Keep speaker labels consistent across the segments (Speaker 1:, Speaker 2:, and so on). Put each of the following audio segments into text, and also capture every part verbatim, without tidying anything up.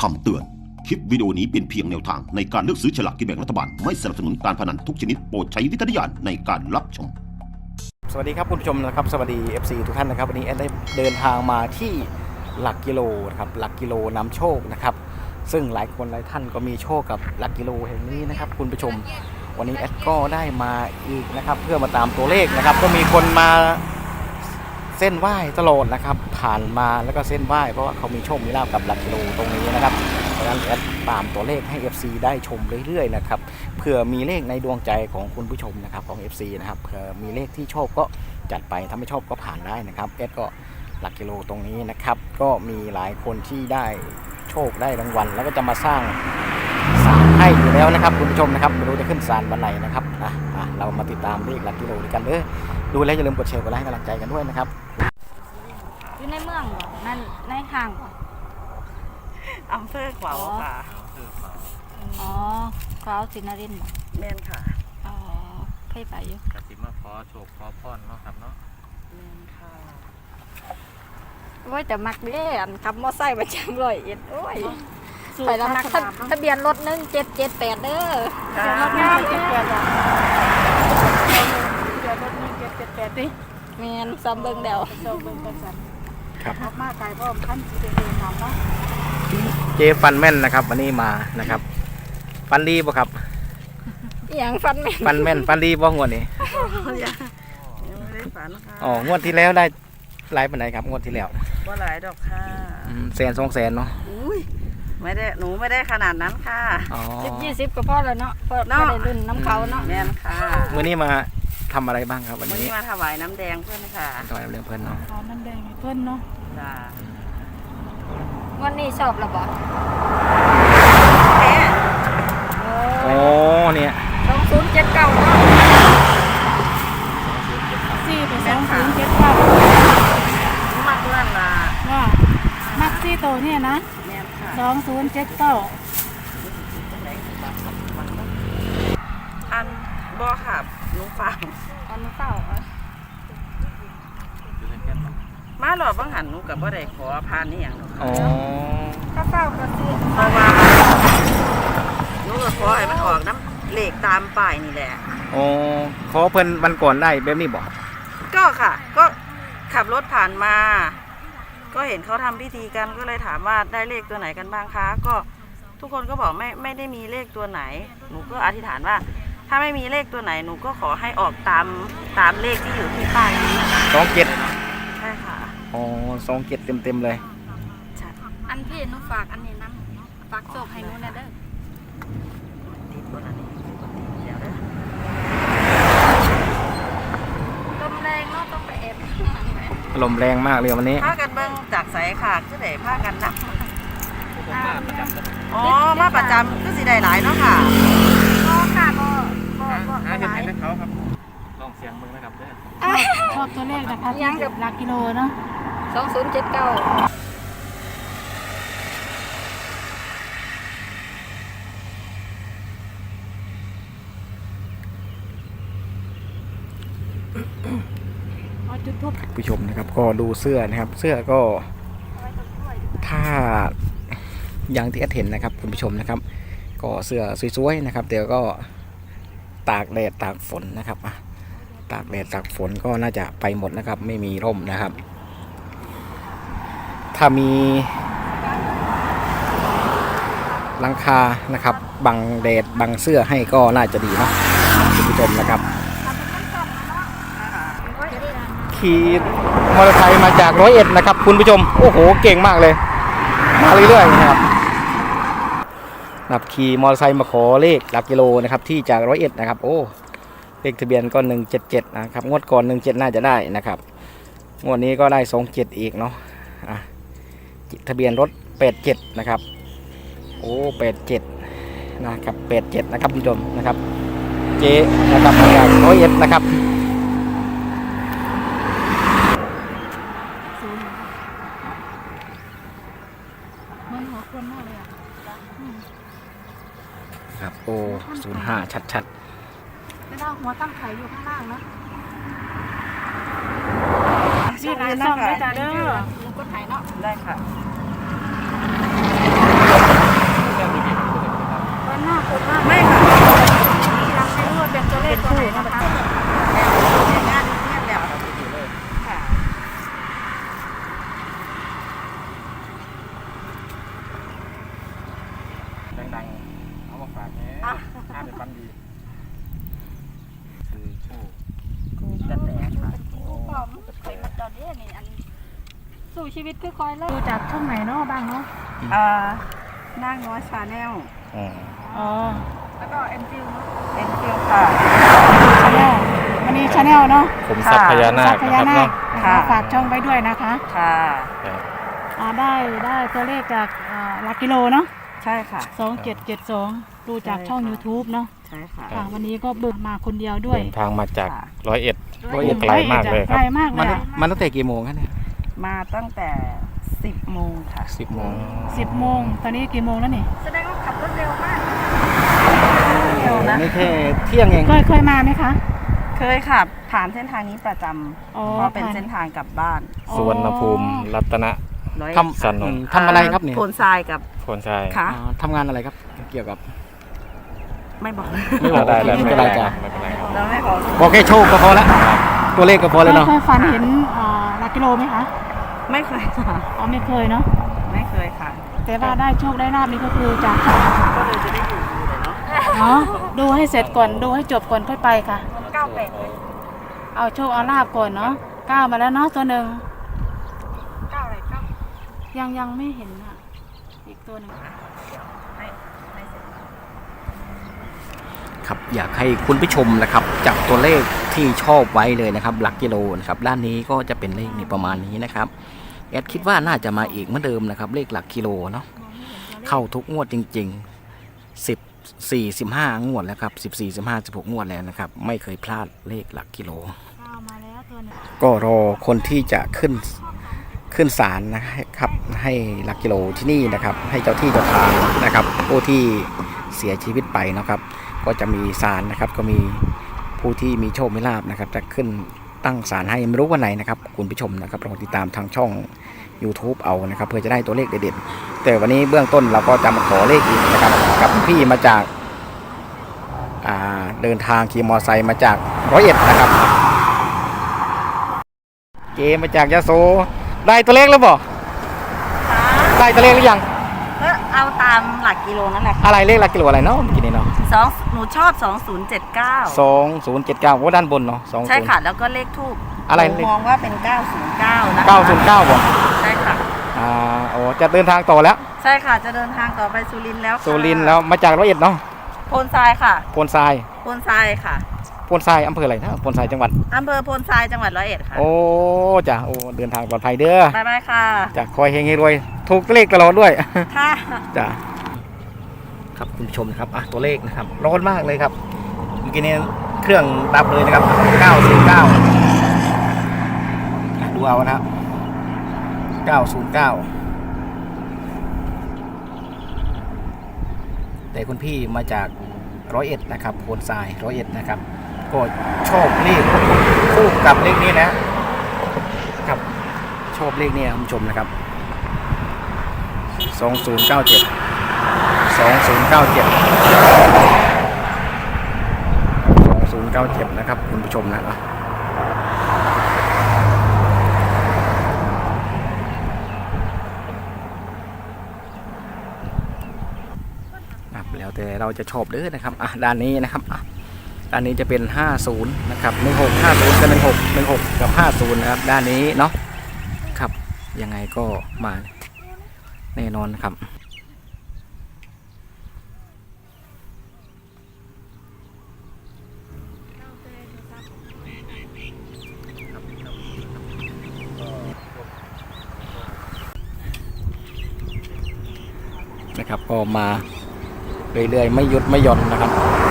Speaker 1: คำเตือนคลิปวิดีโอนี้เป็นเพียงแนวทางในการเลือกซื้อฉลากกินแบ่งรัฐบาลไม่สนับสนุนการพนันทุกชนิดโปรดใช้วิจารณญาณในการรับชม
Speaker 2: สวัสดีครับคุณผู้ชมนะครับสวัสดี เอฟ ซี ทุกท่านนะครับวันนี้แอดได้เดินทางมาที่หลักกิโลนะครับหลักกิโลนำโชคนะครับซึ่งหลายคนหลายท่านก็มีโชคกับหลักกิโลแห่งนี้นะครับคุณผู้ชมวันนี้แอดก็ได้มาอีกนะครับเพื่อมาตามตัวเลขนะครับก็มีคนมาเส้นไหว้ตลอดนะครับผ่านมาแล้วก็เส้นไหว้เพราะว่าเขามีโชคมีลาภกับหลักกิโลตรงนี้นะครับเพราะฉะนั้นแอดตามตัวเลขให้ เอฟ ซี ได้ชมเรื่อยๆนะครับเผื่อมีเลขในดวงใจของคุณผู้ชมนะครับของ เอฟ ซี นะครับเผื่อมีเลขที่ชอบก็จัดไปถ้าไม่ชอบก็ผ่านได้นะครับแอดก็หลักกิโลตรงนี้นะครับก็มีหลายคนที่ได้โชคได้รางวัลแล้วก็จะมาสร้างศาลให้อยู่แล้วนะครับคุณผู้ชมนะครับไม่รู้จะขึ้นศาลวันไหนนะครับอ่ะอ่ะเรามาติดตามเลขหลักกิโลด้วยกันเด้อดูแล้วอย่าลืมกดแชร์กดไลค์ให้กำลังใจกันด้วยนะครับ
Speaker 3: อยู่ในเมืองเหรอนั่นในห้างเหรอ
Speaker 4: อำเภอขวาวค่ะ
Speaker 3: อ๋อขวาวสินนรินทร์
Speaker 4: แม่นค่ะ
Speaker 3: อ๋อเคยไปอยู่
Speaker 5: กสิมาขอโชคขอพรเนาะครับเนาะ
Speaker 4: แม่นค่ะ
Speaker 3: โอ้ยแต่มักเด้อันขับมอไซค์ประจำร้อยเอ็ดโอ้ยไปแล้วมักทะเบียนรถหนึ่งเจ็ดเจ็ดแปดเด้อทะเบียนรถหนึ่งเจ็ดเจ็ดแปด
Speaker 4: ทะเบียนรถหนึ่งเจ็ดเจ็ดแปดดิ
Speaker 3: แมนซ้ำเบิ่งเดียว
Speaker 4: ซ้ำเบิ่งกันสัน
Speaker 2: ครับ
Speaker 4: มาไกลเพราะขั้นสิเป็นเองทำเนาะ
Speaker 2: เจฟันแม่นนะครับวันนี้มานะครับฟันดีป่ะครับ
Speaker 3: อย่างฟันแม่น
Speaker 2: ฟันแม่นฟันดีป่ะงวดนี้
Speaker 4: ยังไม่ได้ฝันค่ะ
Speaker 2: อ๋องวดที่แล้วได้หลายปานใดครับงวดที่แล้ว
Speaker 4: ว่าหลายดอกค่ะ
Speaker 2: แสนสองแสนเนาะ
Speaker 4: อุ้ยไม่ได้หนูไม่ได้ขนาดนั้นค่ะ
Speaker 3: สิบยี่สิบก็พอแล้วเนาะพอได้รุ่นน้ำเขาเนาะ
Speaker 4: แม่นค่ะ
Speaker 2: วันนี้มาทำอะไรบ้างครับวันนี้
Speaker 4: วันนี้มาถวายน้ำแดงเพื่อนค่ะ
Speaker 2: ถวายน้ำแดงเพื่อนเนาะ
Speaker 4: อ๋อน้ำแดงเพื่อนเนาะจ้า
Speaker 3: วันนี้ชอบหรือเปล่า
Speaker 4: แม่
Speaker 2: โอ้เนี่ย
Speaker 3: สองศูนย์เจ็ดเก้าเนาะ
Speaker 6: สี่ไปสองศูนย์เจ็ดเก้า
Speaker 4: มักเพื่อนล่ะ
Speaker 6: ว่ามักซี่โตเนี่ยนะสองศูนย์เจ็ดเก้า
Speaker 4: อันบ่ค่ะหนูฟัง
Speaker 3: อันนู้นเต่า
Speaker 4: มาหลอดบังหันหนูกับว่าได้ขอพานนี่อย่าง
Speaker 2: อ๋อ
Speaker 3: ข้าวเต่าก็ซื้อ
Speaker 4: เพราะว่าหนูก็ขอให้มันออกน้ำเหล็กตามป้ายนี่แหละ
Speaker 2: อ๋อขอเพิ่นวันก่อนได้แบบนี้บอก
Speaker 4: ก็ค่ะก็ขับรถผ่านมาก็เห็นเขาทำพิธีกันก็เลยถามว่าได้เลขตัวไหนกันบ้างคะก็ทุกคนก็บอกไม่ไม่ได้มีเลขตัวไหนหนูก็อธิษฐานว่าถ้าไม่มีเลขตัวไหนหนูก็ขอให้ออกตามตามเลขที่อยู่ที่ป้ายนี้
Speaker 2: สองเจ็ด
Speaker 4: ใช่ค่ะ
Speaker 2: อ๋อสองเจ็ดเต็มเต็มเลย
Speaker 4: ใช่
Speaker 3: อันพี่หนูฝากอันนี้น้ำฝากโศกให้หนูนะเด้อ
Speaker 4: ติดตัวนั้นนี่เดี๋ยวเด้อ
Speaker 3: ลมแรงเนาะต้องไปเอฟ
Speaker 2: ลมแรงมากเลยวันนี้
Speaker 4: ผ้ากันเบิ้งจากสายขาดก็ได้ผ้ากันนะอ๋อมาประจำก็สิได้หลายเนาะค่ะ
Speaker 3: ก็ค่ะก็ก็ก็
Speaker 5: หาเห็นให้เขาครับลองเสียงมึงนะครับเด้อ
Speaker 6: ชอบตัวเลขนะคะยังกับหลักกิโลเนาะ
Speaker 3: สองศูนย์เจ็ดเก้า
Speaker 2: ผู้ชมนะครับก็ดูเสื้อนะครับเสื้อก็ถ้าอย่างที่แอดเห็นนะครับคุณผู้ชมนะครับก็เสื้อสวยๆนะครับเดี๋ยวก็ตากแดดตากฝนนะครับตากแดดตากฝนก็น่าจะไปหมดนะครับไม่มีร่มนะครับถ้ามีหลังคานะครับบังแดดบังเสื้อให้ก็น่าจะดีเนาะคุณผู้ชมนะครับขี่มอเตอร์ไซค์มาจากร้อยเอ็ดนะครับคุณผู้ชมโอ้โหเก่งมากเลยมาเรื่อยๆนะครับนับขี่มอเตอร์ไซค์มาขอเลขหลักกิโลนะครับที่จากร้อยเอ็ดนะครับโอ้เลขทะเบียนก็หนึ่งเจ็ดเจ็ดนะครับงวดก่อนหนึ่งเจ็ดน่าจะได้นะครับงวดนี้ก็ได้สองเจ็ดอีกเนาะอ่ะทะเบียนรถแปดเจ็ดนะครับโอ้แปดเจ็ดนะครับแปดเจ็ดนะครับคุณผู้ชมนะครับเจนะครับมาจากร้อยเอ็ดนะครับครับโอ้ศูนย์ห้าชัดๆ
Speaker 6: ไม่ได้หัวตั้งไข่อยู่ข้างล่างนะ
Speaker 4: ชื่อร้านซ่อมได้จ้าเด้อ
Speaker 3: ลุงก็ถ่ายเนาะ
Speaker 4: ได้ค่ะ
Speaker 5: ดังๆเอามาฝากแหน่ห้าเป็นฟันดีคือโชค
Speaker 4: กูกระแตค่ะ
Speaker 3: ปอมเคยมาตอนนี้นี่อันสู่ชีวิตคือคอยเลิ
Speaker 6: ดู
Speaker 3: ก
Speaker 6: จากช่องไหนเนาะบ้างเนาะ
Speaker 4: อ่านั่งน้อยชาแนล
Speaker 2: อ๋อ
Speaker 6: อ๋อ
Speaker 3: แล้วก็เอ็นฟิวเนาะ
Speaker 4: เอ็นฟิลค่ะ
Speaker 6: ชาแนลวันนี้ชาแนลเนาะ
Speaker 5: ผมทรัพย์พญานา
Speaker 6: สั
Speaker 5: ค
Speaker 6: พ
Speaker 5: นะ
Speaker 6: ยา
Speaker 5: ครับ
Speaker 6: นา
Speaker 5: เนาะ
Speaker 6: ค
Speaker 4: ค่ะ
Speaker 6: ฝากช่องไว้ด้วยนะคะ
Speaker 4: ค่ะ
Speaker 6: อ่าได้ได้ตัวเลขจากอ่าหลักกิโลเนาะ
Speaker 4: ใช่ค่ะ
Speaker 6: สองเจ็ดเจ็ดสองดูจากช่อง
Speaker 4: ใช่ค่ะ
Speaker 6: YouTube เนาะ
Speaker 4: ใช่ค่ะ
Speaker 6: ค่ะวันนี้ก็เบิกมาคนเดียวด้วย
Speaker 5: เดินทางมาจาก
Speaker 4: ค่ะ
Speaker 5: ร้อยเอ็ด
Speaker 2: ร้อยเอ็ด
Speaker 5: ไกลมากเลยค
Speaker 6: ไก
Speaker 5: รั
Speaker 6: ล
Speaker 5: บ
Speaker 6: มากเล
Speaker 2: มัน
Speaker 6: ยอะ
Speaker 2: มันตั้งแต่กี่โมงครับเนี่ย
Speaker 4: มาตั้งแต่สิบโมงค่ะ
Speaker 2: สิบโมง
Speaker 6: สิบโมงตอนนี้กี่โมงแล้วนี่
Speaker 3: แสดงว่าขับรถเร็วมาก
Speaker 4: เร็วนะ
Speaker 2: นี่แค่เที่ยงเอง
Speaker 6: เคยเคยมาไหมคะ
Speaker 4: เคยขับผ่านเส้นทางนี้ประจ
Speaker 6: อ๋อ
Speaker 4: ำเพราะเป็น
Speaker 6: ผ่าน
Speaker 4: เส้นทางกลับบ้าน
Speaker 5: สุวรรณภูมิรัตนะ
Speaker 4: ร้อย
Speaker 2: ท
Speaker 5: สันน
Speaker 2: ำอื
Speaker 5: น
Speaker 2: มทำอะไรครับเนี่ย
Speaker 4: โพนทรายกับ
Speaker 5: โคนชัย
Speaker 4: ค่ะ
Speaker 2: อ่าทำงานอะไรครับเกี่ยวกับ
Speaker 4: ไม่บอก
Speaker 2: ไม่บอก
Speaker 5: ได้แล้ว
Speaker 2: ไม่เป็นไรจ้ะ
Speaker 5: ไม่เป็นไรครับ
Speaker 4: แล้วไม่บอก
Speaker 2: บอกแค่โชคก็พอละตัวเลขก็พอเลยเนาะ
Speaker 6: เคยฝันเห็นอ่าหลักกิโลไหมคะ
Speaker 4: ไม่เคยค่ะ
Speaker 6: อ๋อไม่เคยเนาะ
Speaker 4: ไม่เคยค่ะ
Speaker 6: แต่ว่าได้โชคได้ลาบนี่ก็คือจาก
Speaker 4: ก็เลยจะได้อยู่ดูเลยเนาะ
Speaker 6: เนาะดูให้เสร็จก่อนดูให้จบก่อนค่อยไปค่ะ
Speaker 3: เก้าแปดเลย
Speaker 6: เอาโชคเอาลาบก่อนเนาะก้าวมาแล้วเนาะตัวหนึ่ง
Speaker 3: เก้าอะไรเก้า
Speaker 6: ยังยังไม่เห็นอ่ะอีกตัวหนึ่ง
Speaker 2: ครับอยากให้คุณผู้ชมนะครับจับตัวเลขที่ชอบไว้เลยนะครับหลักกิโลนะครับด้านนี้ก็จะเป็นเลขนี่ประมาณนี้นะครับแอดคิดว่าน่าจะมาอีกเหมือนเดิมนะครับเลขหลักกิโลเนาะเข้าทุกงวดจริงๆสิบสี่สิบห้างวดแล้วครับสิบสี่สิบห้าสิบหกงวดแล้วนะครับไม่เคยพลาดเลขหลักกิโล
Speaker 6: ก้าวมาแล้วตัวหนึ่ง
Speaker 2: ก็รอคนที่จะขึ้นขึ้นศาลนะครับให้หลักกิโลที่นี่นะครับ ให้เจ้าที่เจ้าทางนะครับผู้ที่เสียชีวิตไปนะครับ ก็จะมีศาลนะครับ ก็มีผู้ที่มีโชคมีลาภนะครับ จะขึ้นตั้งศาลให้ไม่รู้วันไหนนะครับคุณผู้ชมนะครับลองติดตามทางช่อง YouTube เอานะครับ เพื่อจะได้ตัวเลขเด็ดๆแต่วันนี้เบื้องต้นเราก็จะมาขอเลขอีกนะครับ กับพี่มาจากอ่าเดินทางขี่มอเตอร์ไซค์มาจากร้อยเอ็ดนะครับ เจมาจากยะโสได้ตัวเลขแล้วบ่ได้ตัวเลขหรือยัง
Speaker 4: ก็เอาตามหลักกิโลนั่นแหละค่ะ
Speaker 2: อะไรเลขหลักกิโลอะไรเนาะเมื่อกี้นี้เนาะ
Speaker 4: สองหนูชอบสองศูนย์เจ็ดเก้า
Speaker 2: สองศูนย์เจ็ดเก้าโอ้ด้านบนเนาะสอง
Speaker 4: ใช่
Speaker 2: ศูนย์
Speaker 4: ค่ะ แล้วก็เลขทูบ
Speaker 2: อะไร
Speaker 4: หนูมองว่าเป็นเก้าศูนย์เก้านะคะ
Speaker 2: เก้าศูนย์เก้าบ่
Speaker 4: ใช่ค่ะ
Speaker 2: อ่าโอ้จะเดินทางต่อแล้ว
Speaker 4: ใช่ค่ะ จะเดินทางต่อไปสุรินทร์แล้วค่ะ
Speaker 2: สุรินทร์แล้วมาจากร้อยเอ็ดเนาะ
Speaker 4: โพนทรายค่ะ
Speaker 2: โพนทราย
Speaker 4: โพนทรายค่ะ
Speaker 2: โพนทรายอำเภออะไรนะโพนทรายจังหวัด
Speaker 4: อำเภอโพนทรายจังหวัดร้อยเอ็ดค่ะ
Speaker 2: โอ้จ้ะโอ้เดินทางปลอดภัยเด้อ
Speaker 4: บ๊ายบายค่ะ
Speaker 2: จะคอยเฮงให้รวยถูกเลขตลอดด้วย
Speaker 4: ค่ะ
Speaker 2: จ้ะครับคุณผู้ชมนะครับอ่ะตัวเลขนะครับร้อนมากเลยครับเมื่อกี้นี้เครื่องดับเลยนะครับเก้าศูนย์เก้าดูเอานะครับเก้าศูนย์เก้าแต่คุณพี่มาจากร้อยเอ็ดนะครับโพนทรายร้อยเอ็ดนะครับก็ชอบเลขคู่กับเลขนี้นะครับชอบเลขนี้คุณผู้ชมนะครับสองศูนย์เก้าเจ็ดสองศูนย์เก้าเจ็ดสองศูนย์เก้าเจ็ดนะครับคุณผู้ชมนะครับแล้วแต่เราจะชอบเด้อนะครับอ่ะด้านนี้นะครับอ่ะด้านนี้จะเป็นห้าศูนย์นะครับหนึ่งหก ห้าศูนย์กับหนึ่งหก หนึ่งหกกับห้าศูนย์นะครับด้านนี้เนาะครับยังไงก็มาแน่นอนครับนะครับก็มาเรื่อยๆไม่หยุดไม่หย่อนนะครับ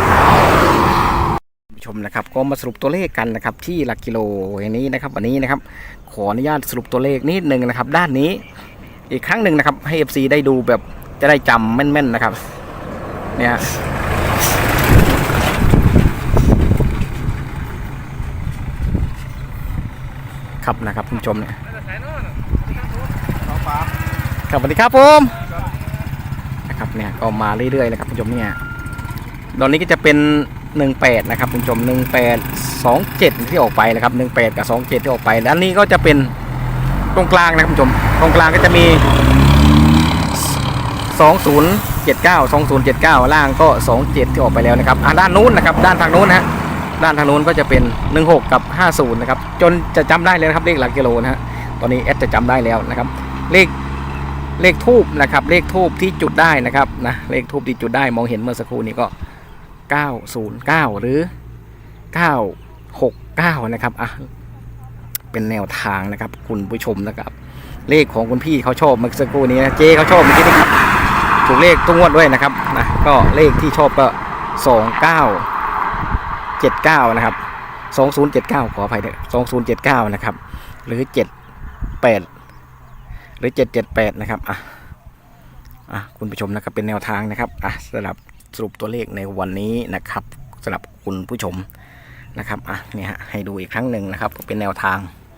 Speaker 2: ผู้ชมนะครับก็มาสรุปตัวเลขกันนะครับที่หลักกิโลอย่างนี้นะครับวันนี้นะครับขออนุญาตสรุปตัวเลขนิดนึงนะครับด้านนี้อีกครั้งหนึ่งนะครับให้ เอฟ ซี ได้ดูแบบจะได้จำแม่นๆนะครับเนี่ยครับนะครับคุณผู้ชมเนี่ยครับสวัสดีครับผมนะครับเนี่ยก็มาเรื่อยๆนะครับคุณผู้ชมเนี่ยตอนนี้ก็จะเป็นหนึ่งแปดนะครับคุณผู้ชมหนึ่งแปดสองเจ็ดที่ออกไปนะครับหนึ่งแปดกับสองเจ็ดที่ออกไปด้านนี้ก็จะเป็นตรงกลางนะครับคุณผู้ชมตรงกลางก็จะมีสองศูนย์เจ็ดเก้า สองศูนย์เจ็ดเก้าล่างก็สองเจ็ดที่ออกไปแล้วนะครับอ่ะด้านนู้นนะครับด้านทางนู้นนะฮะด้านทางนู้นก็จะเป็นหนึ่งหกกับห้าสิบนะครับจนจะจำได้เลยนะครับเลขหลักกิโลนะฮะตอนนี้แอดจะจำได้แล้วนะครับเลขเลขทูบนะครับเลขทูบที่จุดได้นะครับนะเลขทูบที่จุดได้มองเห็นเมื่อสักครู่นี้ก็เก้าศูนย์เก้าหรือเก้าหกเก้านะครับอ่ะเป็นแนวทางนะครับคุณผู้ชมนะครับเลขของคุณพี่เขาชอบเมื่อสักครู่นี้นะเจเขาชอบเมื่อกี้นี้ครับถูกเลขทุกงวดด้วยนะครับนะก็เลขที่ชอบก็สองเก้าเจ็ดเก้านะครับสองศูนย์เจ็ดเก้าขออภัยด้วยสองศูนย์เจ็ดเก้านะครับหรือเจ็ดแปดหรือเจ็ดเจ็ดแปดนะครับอ่ะอ่ะคุณผู้ชมนะครับเป็นแนวทางนะครับอ่ะสำหรับสรุปตัวเลขในวันนี้นะครับสำหรับคุณผู้ชมนะครับอ่ะเนี่ยฮะให้ดูอีกครั้งหนึ่งนะครับเป็นแนวทาง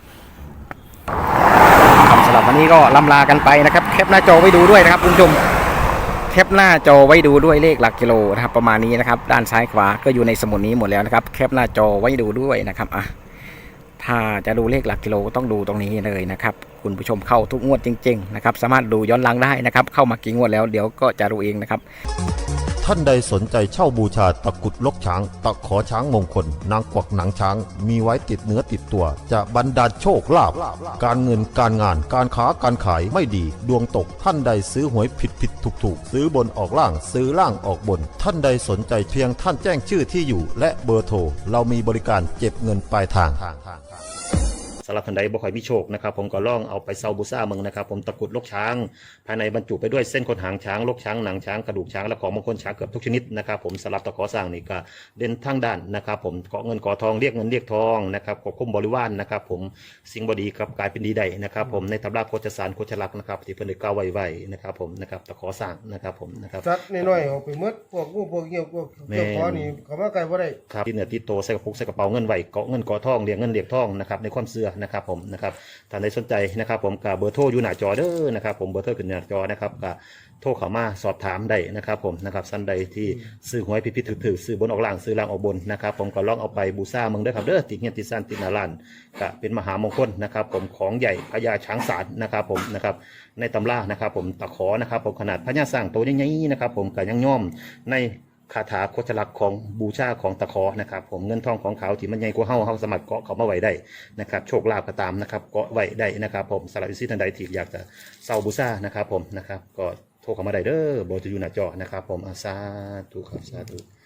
Speaker 2: สำหรับวันนี้ก็ล่ำลากันไปนะครับแคปหน้าจอไว้ดูด้วยนะครับคุณผู้ชมแคปหน้าจอไว้ดูด้วยเลขหลักกิโลนะครับประมาณนี้นะครับด้านซ้ายขวาก็อยู่ในสมุดนี้หมดแล้วนะครับแคปหน้าจอไว้ดูด้วยนะครับอ่ะถ้าจะดูเลขหลักกิโลต้องดูตรงนี้เลยนะครับคุณผู้ชมเข้าทุกงวดจริงๆนะครับสามารถดูย้อนหลังได้นะครับเข้ามากี่งวดแล้วเดี๋ยวก็จะรู้เองนะครับ
Speaker 7: ท่านใดสนใจเช่าบูชาตะกรุดลกช้างตะขอช้างมงคลนางกวักหนังช้างมีไว้ติดเนื้อติดตัวจะบรรดาลโชคลาภการเงินการงานการค้าการขายไม่ดีดวงตกท่านใดซื้อหวยผิดผิดถูกถูกซื้อบนออกล่างซื้อล่างออกบนท่านใดสนใจเพียงท่านแจ้งชื่อที่อยู่และเบอร์โทรเรามีบริการเก็บเงินปลายทาง
Speaker 1: สำหรับท่านใดบ่ค่อยมีโชคนะครับผมก็ลองเอาไปเซาบูซ่าเมืองนะครับผมตะกรุดลกช้างภายในบรรจุไปด้วยเส้นขนหางช้างลกช้างหนังช้างกระดูกช้างและของมงคลช้างเกือบทุกชนิดนะครับผมสำหรับตะขอสร้างนี่ก็เด่นทางด้านนะครับผมเกาะเงินเกาะทองเรียกเงินเรียกทองนะครับควบคุมบริวารนะครับผมสิ่งบดีกับกลายเป็นดีได้นะครับผมในตำราโคจสารโคจลักษณ์นะครับที่เพิ่นได้กล่าวไว้ไว้นะครับผมนะครับตะขอสร้างนะครับผมนะครับ
Speaker 8: สัตว์น้อยๆออกไปหมดพวกงูพวกเงี้ยวพวกเจ้าขอนี่เขามาไกลบ่ได้
Speaker 1: ครับที่เหนือที่โตใส่กระปุกใส่กระเป๋าเงินไว้เกาะเงินเกาะทองเรียกเงินเรียกทองนะครับในความเชื่อนะครับผมนะครับท่านใดสนใจนะครับผมกับเบอร์โทรอยู่หน้าจอเด้อนะครับผมเบอร์โทรขึ้นหน้าจอนะครับกับโทรเข้ามาสอบถามได้นะครับผมนะครับท่านใดที่ซื้อหวยผิดๆถือๆซื้อบนออกล่างซื้อล่างออกบนนะครับผมก็ลองเอาไปบูชาเมืองเด้อครับเด้อติดเงี้ยติดซ่านติดหน้าร้านก็เป็นมหามงคลนะครับผมของใหญ่พญาช้างศาลนะครับผมนะครับในตำรานะครับผมตะขอนะครับผมขนาดพญาสร้างโตใหญ่ๆนะครับผมก็ยังย่อมในคาถาโคจลักษณ์ของบูชาของตะขอนะครับผมเงินทองของเขาที่มันใหญ่กว่าเฮาเฮาสามารถเกาะเขามาไว้ได้นะครับโชคลาภก็ตามนะครับเกาะไว้ได้นะครับผมสำหรับวิสิทันใดที่อยากจะเซาบูชานะครับผมนะครับก็โทรเข้ามาได้เด้อเบอร์จะอยู่หน้าจอนะครับผมอาสาธุครับสาธุ